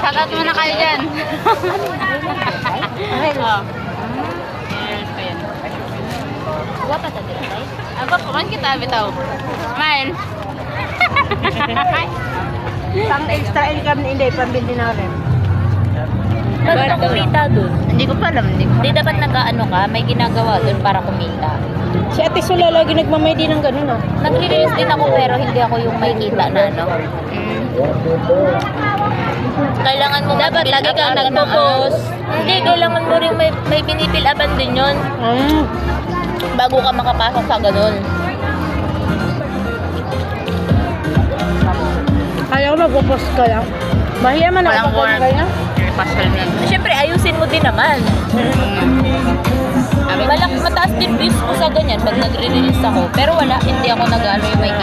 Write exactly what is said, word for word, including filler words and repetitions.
Shoutout muna kayo dyan. Oh. Wapa ta dira tay. Apa po man kita bitaw. Smile. Pang extra income ni Inday, pambili na rin. Para kumita dun. Hindi ko pa alam, hindi ko. Di dapat nag-ano ka, may ginagawa dun para kumita. Si Ate Sula lagi nagmamay din ng ganun, ah. Nagre-release din ako pero hindi ako yung may kita na ano. Mm. Kailangan mo dapat lagi kang nagpo-post. Hindi, kailangan mo rin may, may pinipil-apan din yun Mm. bago ka makapasok sa ganun. Kaya ko mag-post ka lang. Mahiya man Walang ako work. pag kaya. Pasal na. Siyempre, ayusin mo din naman. Malak mataas din views ko sa ganyan pag nagre-release ako. Pero wala, hindi ako nag-ano yung may